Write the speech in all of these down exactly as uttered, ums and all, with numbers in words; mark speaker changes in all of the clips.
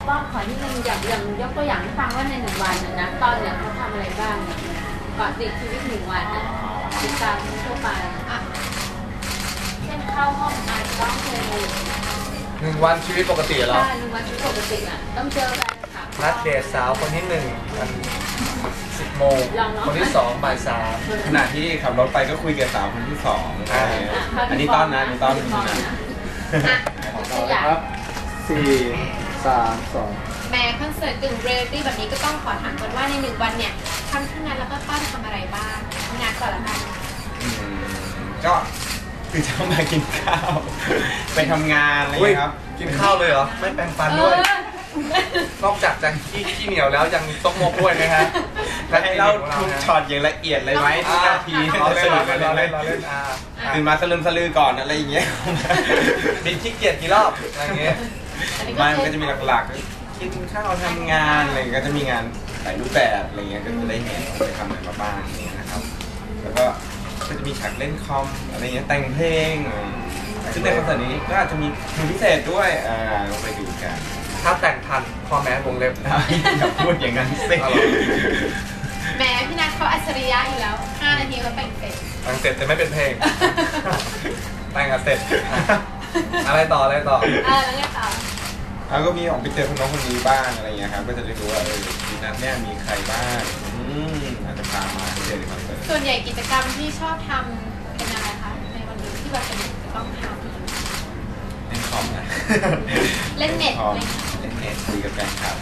Speaker 1: ป้อมขอที่นึงอย่างอย่างยกตัวอย่างให้ฟังว่าในหนึ่งวันนะตอนเนี่ยเขาทำอะไรบ้างเกาะติดชีวิตหนึ่งวันนะติดตามทั่วไปอ่ะเช่นเข้าห้องอ่านร้องเพลง
Speaker 2: หนึ่งวันชีวิตปกติเหรอ
Speaker 1: ใช่หนึ่งวันชีวิตปกติอ่ะต้องเจอแฟนคลับ
Speaker 2: นัดเดทสาวคนที่หนึ่งมันสิบโมงคนที่สองบ่ายสาม
Speaker 3: ขณะที่ขับรถไปก็คุยกับสาวคนที่สองอันนี้ต้อนนะอันนี้ต้อนนะ
Speaker 1: ตัวอย่าง
Speaker 2: สี่สามสอง
Speaker 4: แม้คอนเสิร์ตกึ่งเรียลลิตี้แบบนี้ก็ต้องขอถามก่อนว่าในหนึ่งวันเนี่ยทั้งที่งานแล้วก็ต้อนทำอะไรบ้างงานก่อนละกัน
Speaker 3: ก็คือจะมากินข้าวไปทำงานอะไรครับ
Speaker 2: กินข้าวเลยเหรอไม่แปรงฟันด้วยนอกจากจะขี้ขี้เหนียวแล้วยังต้องมกด้วยนะฮะ
Speaker 3: และให้เราทุกช็อตอย่างละเอียดเลยไหมทุกนาที
Speaker 2: เราเล่นเราเล่นเราเล่น
Speaker 3: ตื่นมาสลืมสลือก่อนอะไรอย่างเงี้ย
Speaker 2: บินขี้เกียจกี่รอบอะไรเงี้ย
Speaker 3: มันก็จะมีหลักๆกินข้าวทำงานอะไรก็จะมีงานหลายรูปแบบอะไรเงี้ยก็จะได้เห็นไปทำอะไรมาบ้างนี่นะครับแล้วก็ก็จะมีฉากเล่นคอมอะไรเงี้ยแต่งเพลงซึ่งในคอนเสิร์ตนี้ก็อาจจะมีเพลงพิเศษด้วยอ่าลองไปดูกัน
Speaker 2: ถ้าแต่งทันพ่อแม่วงเล็บ
Speaker 3: อย่าพูดอย่างนั้นสิ
Speaker 4: แม้พี่นัทเขาอัจฉริยะอยู่แล้วห้านาทีเขาแต่งเสร็จ
Speaker 2: แต่งเสร็จแต่ไม่เป็นเพลงแต่งเสร็จอะไรต่ออะไรต่อ
Speaker 4: เออแล้วไงต่อ
Speaker 3: แล้วก็มีออกไปเจอคนน้องคนนี้บ้างอะไรเงี้ยครับก็จะได้รู้ว่าเออพี่นัทเนี่ยมีใครบ้างอืมอาจจะพามาเจอในคอนเสิร์ต
Speaker 4: ส่วนใหญ่กิจกรรมที่ชอบทำเป็นอะไรคะในวันนี้ที่แบบเป็นจะต้องทำ
Speaker 3: เล่นคอมนะ
Speaker 4: เล่นเน็ต
Speaker 3: เล่นเน็ตคุยกับแฟนคลับ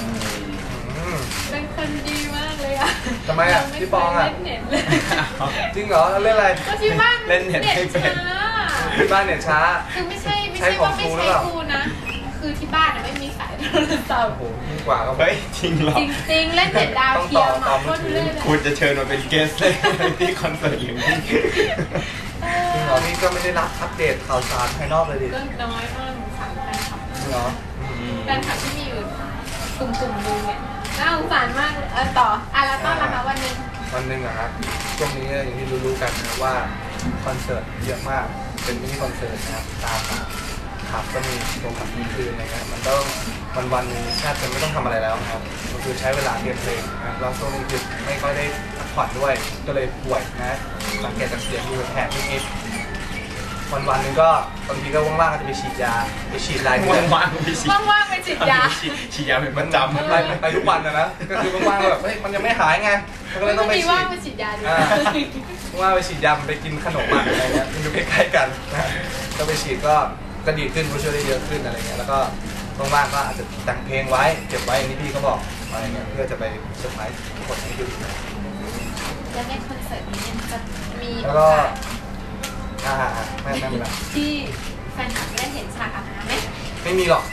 Speaker 4: เป็นคนดีมากเลยอ่ะ
Speaker 2: ทำไมอ่ะพี่ปองอ่ะจริงเหรอเล่นอะไร
Speaker 4: ก็ที่บ้าน
Speaker 3: เล่นเน็ตไม่เป็น
Speaker 2: ที่บ้านเน็ตช้า
Speaker 4: คือไม่ใช่ไม่ใช่ว่าไม่ใช่กูนะคือที่บ้านไม่มีสายโทรศัพท์
Speaker 2: โอ้โหยิ่งกว่าก็
Speaker 3: เฮ้ยจริงหรอ
Speaker 4: จริงๆเล่นเน็ตดาวเทียมมาคนเล่น
Speaker 3: คุณจะเชิญมาเป็นเกสเลยที่คอนเสิร์ตอย่างนี้
Speaker 2: จริงเหรอนี่ก็ไม่ได้รับอัปเดตข่าวสารภายนอกเลยดิ
Speaker 4: ก็น้อยมากสามแฟนคลับ
Speaker 2: เหรอ
Speaker 4: แฟนคลับที่มีอยู่กลุ่มๆนึงเนี่ยน่าสงสารมากเออต่ออ่ะแล้วต้อนนะคะวันนึง
Speaker 2: วันนึงอะครับช่วงนี้อย่างที่รู้ๆกันนะว่าคอนเสิร์ตเยอะมากเป็นมินิคอนเสิร์ตนะครับตามขับก็มีโรงขับมีคืนอะไรเงี้ยมันต้องวันวันนึงแทบจะไม่ต้องทำอะไรแล้วครับก็คือใช้เวลาเรียนเพลงนะแล้วช่วงนี้คือไม่ค่อยได้พักผ่อนด้วยก็เลยป่วยนะสังเกตจากเสียงดูแผลนิดๆวันวันนึงก็บางทีก็ว่างๆก็จะไปฉีดยาไปฉีดลาย
Speaker 3: ว่างๆไปฉีด
Speaker 4: ว่างๆไปฉีดยา
Speaker 3: ฉีดยาเป็นประจำ
Speaker 2: ไปไปทุกวันนะนะก็คือว่างๆแบบเฮ้ยมันยังไม่หายไงก็เลยต้องไปฉีด
Speaker 4: ว่างไปฉีดยาด้วย
Speaker 2: ว่าไปฉีดยาไปกินขนมอะไรเงี้ยมันอยู่ใกล้ๆกันนะก็ไปฉีดก็ก็ดีขึ้นช่วยได้เยอะขึ้นอะไรเงี้ยแล้วก็ว่างๆก็อาจจะแต่งเพลงไว้เก็บไว้อย่างที่พี่เขาบอกอะไรเงี้ยเพื่อจะไปเซอร์ไพรส์คนให้ดู
Speaker 4: แล้วในคอนเสิร์ตนี้จะมี
Speaker 2: แล้วก็อ่าไม่ไม่ไม่
Speaker 4: ที่แฟนคลับได้เห็นฉากอาบน้ำไหม
Speaker 2: ไม่มีหรอก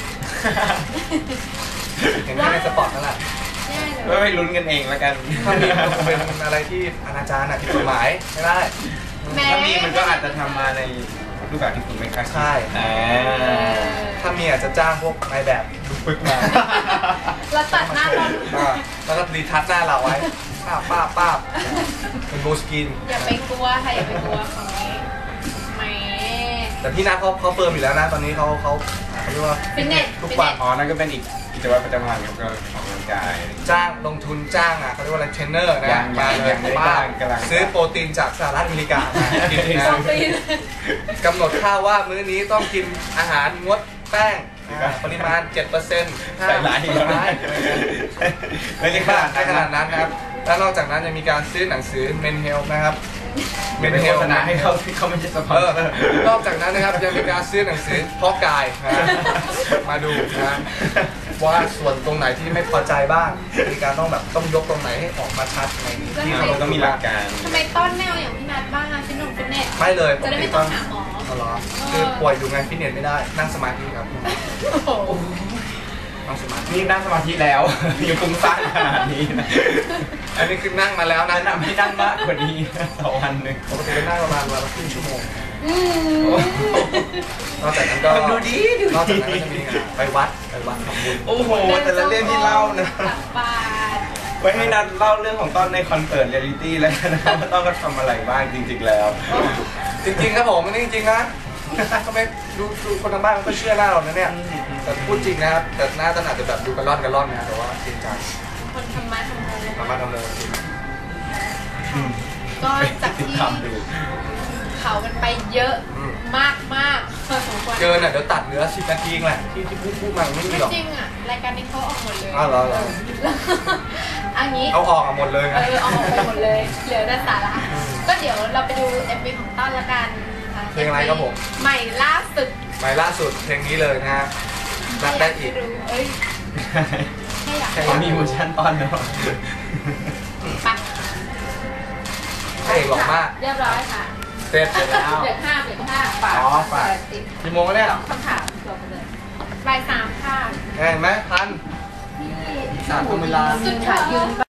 Speaker 2: เห็นแค่ในสปอตนั่นแหละ
Speaker 3: ก็ไปลุ้นกันเองแล้วกัน
Speaker 2: ถ้ามีมันคงเป็นอะไรที่อนาจารผิดกฎหมายไม่ได้
Speaker 3: ถ้ามีมันก็อาจจะทำมาในรูปแบบที่คุณไม่คาดคิด
Speaker 2: ใช่ถ้ามีอาจจะจ้างพวกนายแบบดูปึกมา
Speaker 4: แล้วตัดหน้าเรา
Speaker 2: แล้วก็รีทัชหน้าเราไว้ป้าป้าป้าเป็นโบสกิน
Speaker 4: อย่าไปกลัวค่ะอย่าไปกลัวของนี้ไม่
Speaker 2: แต่พี่นัทเขาเขาเฟิร์มอยู่แล้วนะตอนนี้เขาเขาเขาเรียกว่า
Speaker 4: ฟิตเนส
Speaker 2: ทุกวัน
Speaker 3: อ๋อนั่นก็เป็นอีกกิจวัตรประจำวันครับก็ออกกำลังกาย
Speaker 2: จ้างลงทุนจ้างอ่ะเขาเรียกว่าอะไรเทรนเนอร์นะมาเลยบ้านซื้อโปรตีนจากสหรัฐอเมริกากินนะกำหนดข้าวว่ามื้อนี้ต้องกินอาหารงดแป้งปริมาณ เจ็ดเปอร์เซ็นต์
Speaker 3: ใส่หลายอีกแล้ว
Speaker 2: ไม่ได้ขนาดขนาดนั้นนะครับแล้วนอกจากนั้นยังมีการซื้อหนังสือ Men Health นะครับ
Speaker 3: เมนเทลนาให้เขาที่เขาไม่ใช่สปอนเซอร์
Speaker 2: นอกจากนั้นนะครับยังมีการซื้อหนังสือเพาะกายมาดูนะว่าส่วนตรงไหนที่ไม่พอใจบ้างมีการต้องแบบต้องยกตรงไหนให้ออกมาชัดในนี้
Speaker 3: ที่เราต้องมีหลักการ
Speaker 4: ทำไมต้นแนวอย่างพี่นัทบ้างฟิตเนสฟิตเนส
Speaker 2: ไม่เลย
Speaker 4: จะได้ไม่ต้องหาหมอ
Speaker 2: อ๋อเหรอคือป่วยอยู่ไงฟิตเนสไม่ได้นั่งสมาธิครับนั่งสมาธิ
Speaker 3: นี่นั่งสมาธิแล้วยังฟุ้งซ่านขนาดนี้นะ
Speaker 2: อันนี้คือนั่งมาแล้วนะ
Speaker 3: นำให้นั่งมากกว่านี้ต่อวันหนึ่ง
Speaker 2: ปกติก็นั่งประมาณวันละครึ่งชั่วโมงนอกจากนั้นก็
Speaker 3: ดูดีดู
Speaker 2: นอกจากนั้นก็จะมีไปวัดไปวัดทำบุญ
Speaker 3: โอ้โหแต่ละเรื่องที่เล่านะไว้ให้นัดเล่าเรื่องของต้นในคอนเสิร์ตเรียลลิตี้แล้วนะครับว่าต้องก็ทำอะไรบ้างจริงๆแล้ว
Speaker 2: จริงๆครับผมนี่จริงๆนะก็ไม่ดูดูคนทางบ้านมันก็เชื่อหน้าเรานะเนี่ยแต่พูดจริงนะครับแต่หน้าตาอาจจะแบบดูกระล่อนกระล่อนนะแต่ว่าจริงจัง
Speaker 4: คนทำมาทำโม
Speaker 2: ทำมาทำโมจริง
Speaker 4: ก็จากที่
Speaker 3: ทำดู
Speaker 4: เผากันไปเยอะมากมากพอสมควร
Speaker 2: เกินอ่ะเดี๋ยวตัดเหลือสิบนาทีเองแหละที่ที่พูดพูดมาไม่มี
Speaker 4: ไม่
Speaker 2: หรอก
Speaker 4: จริงอ่ะรายการนี้เขาออกหมดเลย
Speaker 2: อ้าวเหรอเหรอ
Speaker 4: อันนี้
Speaker 2: เอาออกอ่ะหมดเลยไง
Speaker 4: เออเอาออกไปหมดเลยเหลือแต่สาระก็เดี๋ยวเราไปดู เอ็ม วี ของต้นละกันค่ะ
Speaker 2: เพลงอะไรครับผม
Speaker 4: ใหม่ล่าสุด
Speaker 2: ใหม่ล่าสุดเพลงนี้เลยนะฮะรักได้อีก
Speaker 4: ม่ยารู้เอ้ยแค่อยาก
Speaker 2: แค่
Speaker 3: เขามีเวอร์ชันตอนเนาะ
Speaker 4: ไป
Speaker 2: พระเอกหล่อมาก
Speaker 1: เรียบร้อยค่ะ
Speaker 2: เสร็จ
Speaker 1: เบรกห้าเบรกห้าฝาก
Speaker 2: อ๋อฝาก
Speaker 1: ติด
Speaker 2: กี่โมงแล้วเนี่ย
Speaker 1: คำถามจบไปเลย
Speaker 4: บ่ายสามค่ะ
Speaker 2: เห็นไหมพัน
Speaker 1: ที่
Speaker 2: สามเวลา
Speaker 1: สุดท้ายยืน